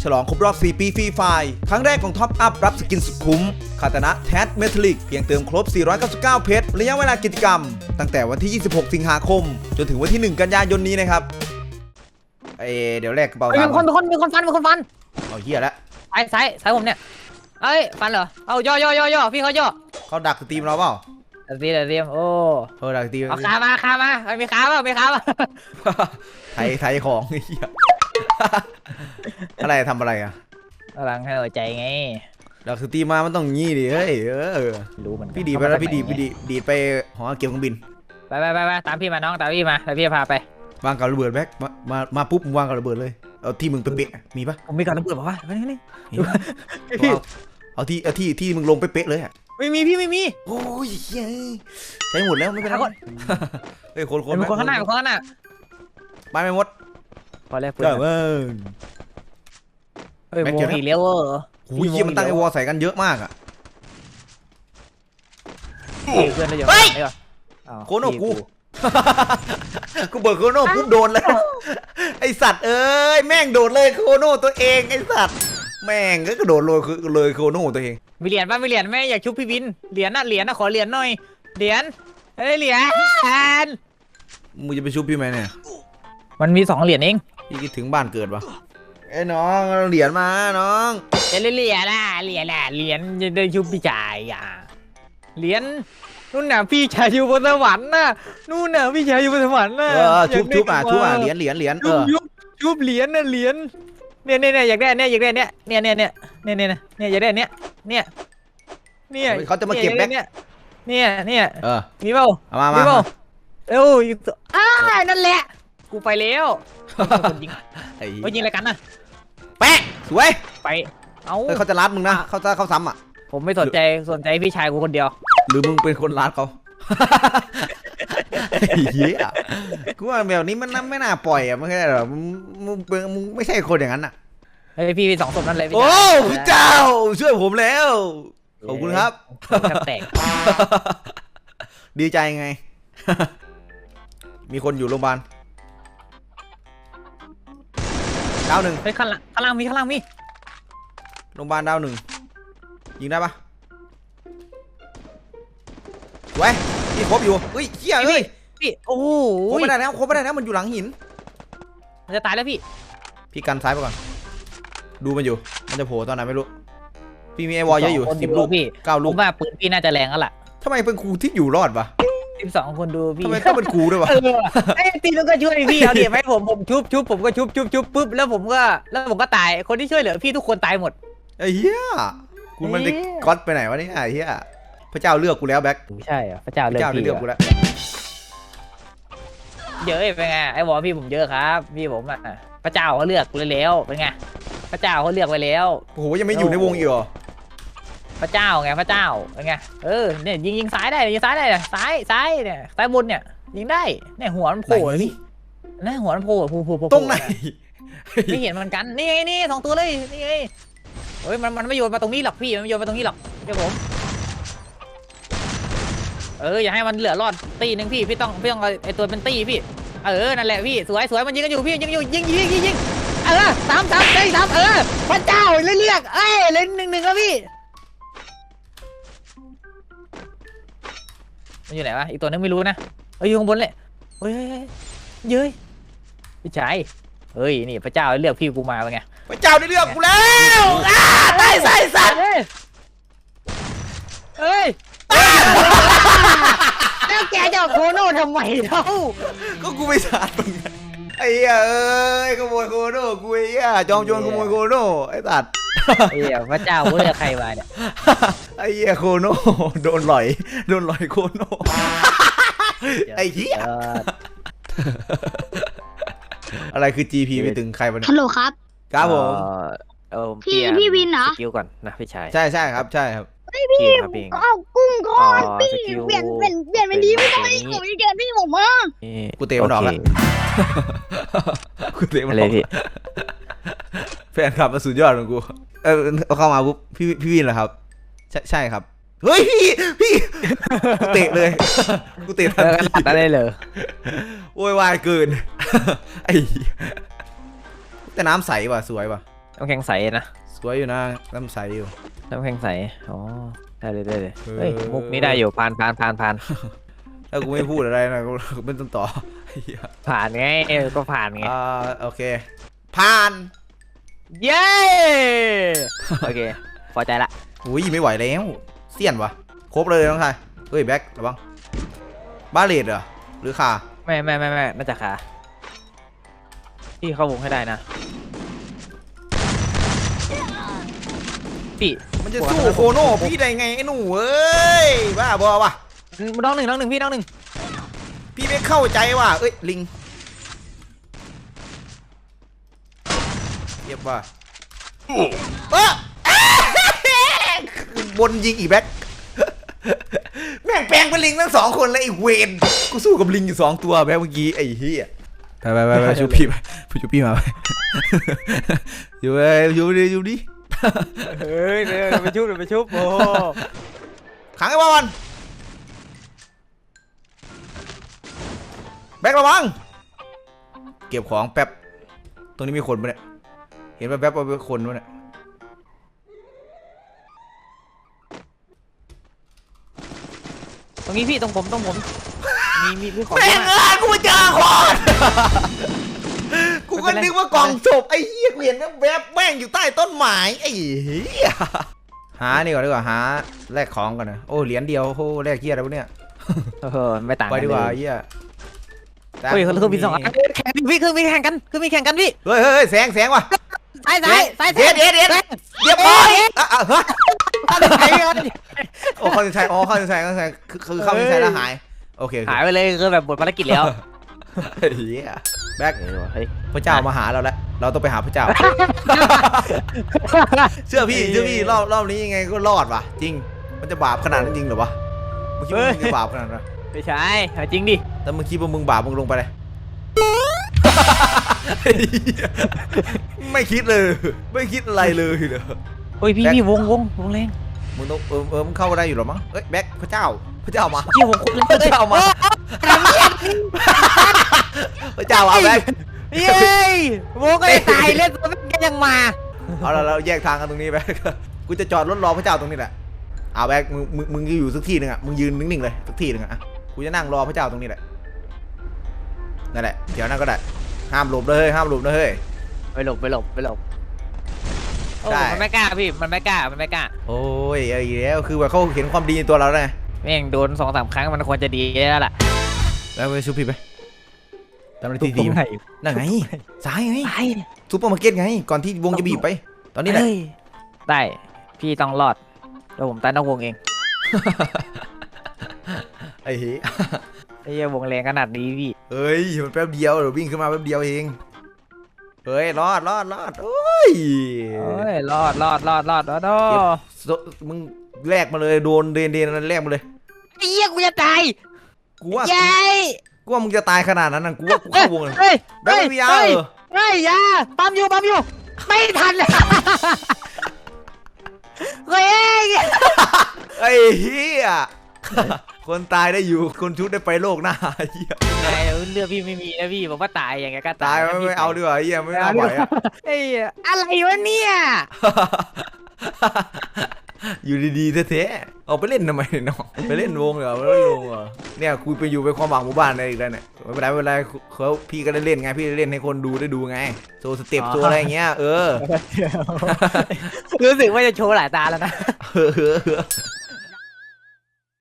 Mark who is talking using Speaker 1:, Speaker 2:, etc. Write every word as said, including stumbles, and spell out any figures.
Speaker 1: ฉลองครบรอบสี่ปีฟรีไฟล์ครั้งแรกของท็อปอัพรับสกินสุดคุ้มคาตานะแทสเมทัลลิกเพียงเติมครบสี่ร้อยเก้าสิบเก้าเพชรระยะเวลากิจกรรมตั้งแต่วันที่ยี่สิบหกสิงหาคมจนถึงวันที่หนึ่งกันยายนนี้นะครับเอเดี๋ยวแรกกระเป๋าตังค์
Speaker 2: มีคนมีคนมีคนฟันมีคนฟัน
Speaker 1: เอาเหี้ยแล้ว
Speaker 2: ซ้ายซ้ายซ้ายผมเนี่ยเอ้ยฟันเหรอเอาย่อย่อย่อย่อพี่เขาย่อ
Speaker 1: เขาดักสตรีมเราเปล่า
Speaker 2: เดี๋ยวเดี๋ยวเดี๋ยวโอ้
Speaker 1: เออดักสตรีม
Speaker 2: เอาขามาขามามีขาเปล่ามีขาเปล่า
Speaker 1: ไทยไทยของไอ้เหี้ยอะไรทำอะไรอ่ะ
Speaker 2: กำลังให้หัวใจไง
Speaker 1: ดักสตรีมมามันต้องงี้ดิเฮ้ยเออ
Speaker 2: รู้มัน
Speaker 1: พี่ดีไปแล้วพี่ดีพี่ดีดีไปหอเก็บเครื่องบิน
Speaker 2: ไปไปไปไปตามพี่มาน้องตามพี่มาแล้วพี่พาไป
Speaker 1: วางกับระเบิดแบ็คมามามาปุ๊บมึงวางกับระเบิดเลยเอาที่มึงเป๊ะๆมีปะ
Speaker 2: ผมมีก่อนระเบิดบอกว่าไปนี่
Speaker 1: มีปะเอาเอาที่เอาที่ที่มึงลงเป๊ะๆเลยอ่ะ
Speaker 2: ไม่มีพี่ไม่มี
Speaker 1: โอ้ยเย้ใช้หมดแล้วไม่เป็นไรเฮ้ยคนคน
Speaker 2: มีคนข้างหน้ามีคนข้างหน้า
Speaker 1: ไปไม่หมด
Speaker 2: พอแล้ว
Speaker 1: เออเว้ย
Speaker 2: เฮ้ยวงอีกแล้วเออ
Speaker 1: โอ้ยเหี้ยมันตั้งไอ้วอลใส่กันเยอะมากอ่ะ
Speaker 2: เพื่อนเราอยู่
Speaker 1: โคโน่กูกูเบิกโคโน่ปุ๊บโดนเลยไอสัตว์เอ้ยแม่งโดดเลยโคโน่ตัวเองไอสัตว์แม่งก็กระโดดเลยเลยโคโน่ตัวเอง
Speaker 2: มีเหรียญป่ะมีเหรียญไหมอยากชุบพี่วินเหรียญน่ะเหรียญน่ะขอเหรียญหน่อยเหรียญเฮ้ยเหรียญ
Speaker 1: มึงจะไปชุบพี่ไหมเนี่ย
Speaker 2: มันมีสองเหรียญเอง
Speaker 1: พี่คิดถึงบ้านเกิดปะไอ้น้องเหรียญมาน้อง
Speaker 2: เหรียญน่ะเหรียญน่ะเหรียญจะได้ชุบพี่ชายอ่ะเหรียญนู่นน่ะพี่ชายอยู่บนสวรรค์น่ะนู่นน่ะพี่ชายอยู่บนสวรรค์น่ะ
Speaker 1: เออชุบชุบอ่ะชุบอ่ะเหรียญเหรียญเหรียญเอ
Speaker 2: ชุบ
Speaker 1: อ
Speaker 2: ชุบชุบเหรียญน่ะเหรียญเนี่ยเนี่ยเนี่ยอยากได้เนี่ยอยากได้เนี่ยเนี่ยเนี่ยเนี่ยเนี่ยเนี่ยเนี่ยอยากได้เนี่ยเนี่ยเนี่ย
Speaker 1: เขาจะมาเก็บแบ็ค
Speaker 2: เนี่ยเนี่ยเนี่ย
Speaker 1: เออ
Speaker 2: มีเปล่า
Speaker 1: เอามา
Speaker 2: มี
Speaker 1: มา
Speaker 2: เปล่าเอ้าอยู่ตัวอ้านั่นแหละกูไปแล้วคนยิง
Speaker 1: ไอ้
Speaker 2: เขายิงอะไรกันน่ะ
Speaker 1: แปะสวย
Speaker 2: ไปเอ้า
Speaker 1: เขาจะรัดมึงนะเขาจะเขาซ้ำอ่ะ
Speaker 2: ผมไม่สนใจสนใจพี่ชายกูคนเดียว
Speaker 1: หรือมึงเป็นคนรัดเขาเฮียกูว่าแบบนี้มันไม่น่าปล่อยอ่ะไม่ใช่หรอมึงมึงเป็นมึงไม่ใช่คนอย่างนั้นอ่ะ
Speaker 2: เฮ้ยพี่มีสองศพนั่นเลยพี่
Speaker 1: โอ้
Speaker 2: ชาย
Speaker 1: พระเจ้าช่วยผมแล้วขอบคุณครับ
Speaker 2: ผมแทบแตก
Speaker 1: ดีใจไง มีคนอยู่โรงพยาบาลดาวหนึ่ง
Speaker 2: เฮ้ยข้างล่างข้างล่างมีข้างล่างมี
Speaker 1: โรงพยาบาลดาวหนึ่งยิงได้ปะไว้พี่ครบอยู่เฮ้ยเฮียเฮ้ย
Speaker 2: พี่โอ้โห
Speaker 1: ครบไม่ได้แล้วครบไม่ได้แล้วมันอยู่หลังหิน
Speaker 2: มันจะตายแล้วพี่
Speaker 1: พี่กันซ้ายไปก่อนดูมันอยู่มันจะโผล่ตอนไหนไม่รู้พี่มีไอวอลเยอะอยู่สิบลูก
Speaker 2: พี่
Speaker 1: เก้า
Speaker 2: ผ
Speaker 1: ลูก
Speaker 2: มว่าปืนพี่น่าจะแรงแล้วล่ะ
Speaker 1: ทำไมเป็นครูที่อยู่รอดปะ
Speaker 2: สิบสองคนดูพี่
Speaker 1: ทำไมต้องเป็นครูด้วยวะ
Speaker 2: เออไอ้ตีมันก็ช่วยพี่เอาเดี๋ยวให้ผมผมชุบชุบผมก็ชุบชุบชุบปุ๊บแล้วผมก็แล้วผมก็ตายคนที่ช่วยเหลือพี่ทุกคนตายหมด
Speaker 1: ไอ้เหี้ยคุณมันได้ก๊อตไปไหนวะเนี่ยไอ้เหี้ยพระเจ้าเลือกกูแล้วแบ็ค
Speaker 2: ไม่ใช่เหรอพระเจ้า
Speaker 1: พ
Speaker 2: เลื
Speaker 1: ระ
Speaker 2: อก
Speaker 1: เจ้าได้
Speaker 2: พี่
Speaker 1: เลือกกูแล้ว
Speaker 2: เยอะเป็นไงไอ้บอกพี่ผมเยอะครับพี่ผมอ่ะพระเจ้าเขาเลือกเลยแล้วเป็นไงพระเจ้าเขาเลือกไว้แล้ว
Speaker 1: โอ้โหยังไม่อยู่ในวงอีกเหรอ
Speaker 2: พระเจ้าไงพระเจ้าเป็นไงเออเนี่ยยิงยิงซ้ายได้ยิงซ้ายได้เนี่ยซ้ายซ้ายเนี่ยซ้ายบนเนี่ยยิงได้เนี่ยหัวมันโผล่เลยพี่นี่หัวมันโผล่โผล่โผล่โผล่
Speaker 1: ตรงไหน
Speaker 2: ไม่เห็นเหมือนกันนี่ไงนี่สองตัวเลยนี่ไงเฮ้ยมันมันไม่โยนมาตรงนี้หรอกพี่มันไม่โยนมาตรงนี้หรอกเดี๋ยวผมเอออย่าให้มันเหลือรอดตีหนึ่งพี่พี่ต้องพี่ต้องไอตัวเป็นตีพี่เออนั่นแหละพี่สวยสวยมันยิงกันอยู่พี่ยิงอยู่ยิงยิงยิงยิงเออสามสามได้สามเออพระเจ้าเรียกเอ้ยเล่นหนึ่งหนึ่งแล้วพี่มันอยู่ไหนวะอีกตัวนึงไม่รู้นะเอ้ยอยู่ข้างบนเลยเฮ้ยเย้ยพี่ชายเฮ้ยนี่พระเจ้าเลือกพี่กูมาเป็นไง
Speaker 1: พระเจ้าได้เลือกกูแล้วอ้าได้ใส่สัตว์
Speaker 2: เฮ้ยเฮ้ยแล้วแกจะโคโน่ทำไมเล่า
Speaker 1: ก็กูไม่สาดมึงไอ้เหี้ยเอ้ยขโมยโคโน่กูไอ้เหี้ยจอมโจรขโมยโคโน่ไอ้สัตว์
Speaker 2: เฮ้ยพระเจ้าเลือกใครมาเนี่ย
Speaker 1: ไอ้เหี้ยโคโน่โดนหลอยโดนหลอยโคโน่ไอ้เหี้ยอะไรคือ จี พี ไม่ถึงใครวะเนี่ย
Speaker 3: ฮัลโหลครับ
Speaker 1: ครับผม
Speaker 2: เออ
Speaker 3: พี่พี่วินเหรอ
Speaker 2: สกิลก่อนนะพี่ชาย
Speaker 1: ใช่ใช่ครับใช่ครับ
Speaker 2: พี่ครับพี่
Speaker 3: เอากุ้งก่อน
Speaker 2: อ๋อ
Speaker 3: พี่
Speaker 2: สกิล
Speaker 3: เปลี่ยนเปลี่ยนเปลี่ยนเป็นดีไม่ต้องให้
Speaker 2: เป็นอย่างนี้
Speaker 3: ผมจะเกินพี่ผมมา
Speaker 1: กูเตะมันออกแล้ว กูเตะมัน
Speaker 2: อะไร
Speaker 1: ออก
Speaker 2: พี่
Speaker 1: แฟนคลับมาสุดยอดของกูเออเอาเข้ามาปุ๊บพี่พี่วินเหรอครับใช่ใช่ครับเฮ้ยพี่พี่กูเตะเลยกูเตะทัน
Speaker 2: เออ
Speaker 1: ที
Speaker 2: ตัดอะไรเลย
Speaker 1: โวยวายเกินไอ้แต่น้ำใสว่ะสวยว่ะ
Speaker 2: น้ำแข็งใสนะ
Speaker 1: สวยอยู่นะน้ำใสอยู่
Speaker 2: น้ำแข็งใสอ๋อได้เลยได้เลย
Speaker 1: เออ
Speaker 2: เฮ้ยมุกนี้ได้อยู่ผ่านผ่านผ่านผ่าน
Speaker 1: ถ้ากูไม่พูดอะไรนะกูไม่ต้องต่อเหี้ย
Speaker 2: ผ่านไงเออก็ผ่านไง
Speaker 1: อ่าโอเคผ่าน
Speaker 2: เย้โอเคพอใจละ
Speaker 1: อุ้ยไม่ไหวแล้วเสี้ยนวะครบเลยน้องชายเฮ้ยแบ็คระวังบาเลตเหรอหรือคา
Speaker 2: ไม่ไม่ไม่ไม่น่าจะขาพี่เข้าวงให้ได้นะพี่
Speaker 1: มันจะสู้โคโน่พี่ได้ไงไอ้หนูเอ้ยบ้าบอวะ
Speaker 2: น้องหนึ่งน้องหนึ่งพี่น้องหนึ่ง
Speaker 1: พี่ไม่เข้าใจว่ะเอ้ยลิงเย็บว่ะเออบนยิงอีแบ็คแม่งแปลงเป็นลิงทั้งสองคนเลยไอ้เวนกูสู้กับลิงอยู่สองตัวแบ็คเมื่อกี้ไอ้เหี้ยไปไปไปไปชูพี่ไปชูพี่มาไปอยู่ไปอยู่ดิอยู่ดิ
Speaker 2: เฮ้ยเดี๋ยวไปชุบเดี๋ยวไปชุบโอ้
Speaker 1: ขังไอ้บอลแบ็คระวังเก็บของแป๊บตรงนี้มีคนปะเนี่ยเห็นแป๊บๆว่าเป็นคนปะเนี่ย
Speaker 2: ตรงนี้พี่ตรงผมตรงผมมีมีมีของ
Speaker 1: แม่ง
Speaker 2: เยอะ
Speaker 1: เอ้
Speaker 2: มาก
Speaker 1: ยกูมาเจอคนกูก็นึกว่ากล่องศพไอ้เหี้ยกูเห็นแวบๆแม่งอยู่ใต้ต้นไม้ไอ้เหี้ยหานี่ก่อนดีกว่าหาแลกของก่อนนะโอ้เหรียญเดียวโอ้แลกเหี้ยอะไรวะเนี่ย
Speaker 2: เออไม่ต่าง
Speaker 1: ไป
Speaker 2: กัน
Speaker 1: ดีกว่า
Speaker 2: เลย
Speaker 1: เหี้ย
Speaker 2: เฮ้ยเครื่องบินสองอันแข่งพี่เครื่องบินแข่งกันเครื่องบินแข่งกันพี่
Speaker 1: เฮ้ยเฮ้ยแสงแสงว่ะ
Speaker 2: ซ้ายซ้ายซ้าย
Speaker 1: เด็ดเด็ดเด็ดเรียบร้อยอ่ะอ่ะฮะ
Speaker 2: ซ้าย
Speaker 1: โอ้เข้าใจอ๋อเข้าใจเข้าใจคือคือเข้าใจแล้วหายโอเค
Speaker 2: หายไปเลยคือแบบหมดภารกิจแล้ว
Speaker 1: เฮียแบ็ค
Speaker 2: เฮ้ย
Speaker 1: พระเจ้ามาหาเราแล้วเราต้องไปหาพระเจ้า เชื่อพี่เชื่อพี่รอบรอบนี้ยังไงก็รอดว่ะจริงมันจะบาปขนาดนั้นจริงเหรอวะมึงคิดว่ามึงจะบาปขนาดนั้น
Speaker 2: ไม่ใช่จริงดิ
Speaker 1: แต่มึงคิดว่ามึงบาปมึงลงไปเลย ไม่คิดเลยไม่คิดอะไรเลยเหรอ
Speaker 2: โอ้ยพี่พี่วงวงวงแรง
Speaker 1: มึงต้องเออเออมึงเข้ามาได้อยู่หรอมั้งเอ้ยแบ็คพระเจ้าพระเจ้ามา
Speaker 2: พี่วงคนแรง
Speaker 1: พระเจ้ามาพระเจ้ามาแบ็ค
Speaker 2: เย้ยวงก็ตายเล่นตัวแม่ยังมา
Speaker 1: เอาละเราแยกทางกันตรงนี้แบ็คกูจะจอดรถรอพระเจ้าตรงนี้แหละเอาแบ็คมึงมึงมึงอยู่สักที่หนึ่งอ่ะมึงยืนนิ่งๆเลยสักที่หนึ่งอ่ะกูจะนั่งรอพระเจ้าตรงนี้แหละนั่นแหละเดี๋ยวนั่งก็ได้ห้ามหลบเลยห้ามหลบนะเฮ้ย
Speaker 2: ไปหลบไปหลบไปหลบ
Speaker 1: ได้
Speaker 2: มันไม่กล้าพี่มันไม่กล้ามันไม่กล้า
Speaker 1: โอ้ยไอ้แล้วคือว่าเขาเห็นความดีในตัวเราแล้วไง
Speaker 2: แม่งโดนสองสามครั้งมันควรจะดีแล้วล่ะ
Speaker 1: แล้วไปชูพี่ไปทำอะไรทีดีนั่นไงซ้ายไง
Speaker 2: ไป
Speaker 1: ซูเปอร์มาร์เก็ตไงก่อนที่วงจะบีบไป ตอนนี้แหละ
Speaker 2: ได้พี่ต้องรอดแล้วผมตายนอกวงเอง
Speaker 1: ไอ้เหี้ย
Speaker 2: ไอ้เหี้ยวงแรงขนาดนี้พี่
Speaker 1: เฮ้ยมันแป๊บเดียวเดี๋ยววิ่งขึ้นมาแป๊บเดียวเองเฮ้ยรอดรอดรอดโอ้ย
Speaker 2: โอ้ยรอดรอดรอดรอดรอด
Speaker 1: เก็บโซมึงแลกมาเลยโดนเดนเดนนั้นแลกมาเลย
Speaker 2: ไอ้เหี้ยกูจะตาย
Speaker 1: กูว่า
Speaker 2: ยัย
Speaker 1: กูว่ามึงจะตายขนาดนั้นนะกูว่ากูเข้าวงเลย
Speaker 2: เฮ้ย
Speaker 1: แบ็คไม่มียาเออ
Speaker 2: เฮ้ยยาปั๊มอยู่ปั๊มอยู่ไม่ทันเฮ้ย
Speaker 1: ไอ้เหี้ยคนตายได้อยู่คนชุดได้ไปโลกหน้าเหี้ย
Speaker 2: ไงเลือดพี่ไม่มีนะพี่บอกว่าตายอย่างเงี้ยก็
Speaker 1: ตายไม่ไม่เอาดีกว่าเหี้ยไม่น่าไหวอ่ะ
Speaker 2: เฮ้ยอะไรวะเนี่ย
Speaker 1: อยู่ดีๆแท้ๆเอาไปเล่นทำไมเนาะไปเล่นวงเหรอไปเล่นวงเหรอเนี่ยคุยไปอยู่ไปความหวังหมู่บ้านอะไรอีกแล้วเนี่ยไม่เป็นไรไม่เป็นไรเขาพี่ก็ได้เล่นไงพี่ได้เล่นให้คนดูได้ดูไงโชว์สเต็ปโชว์อะไรอย่างเงี้ยเออ
Speaker 2: รู้สึกว่าจะโชว์หลายตาแล้วนะ
Speaker 1: เออ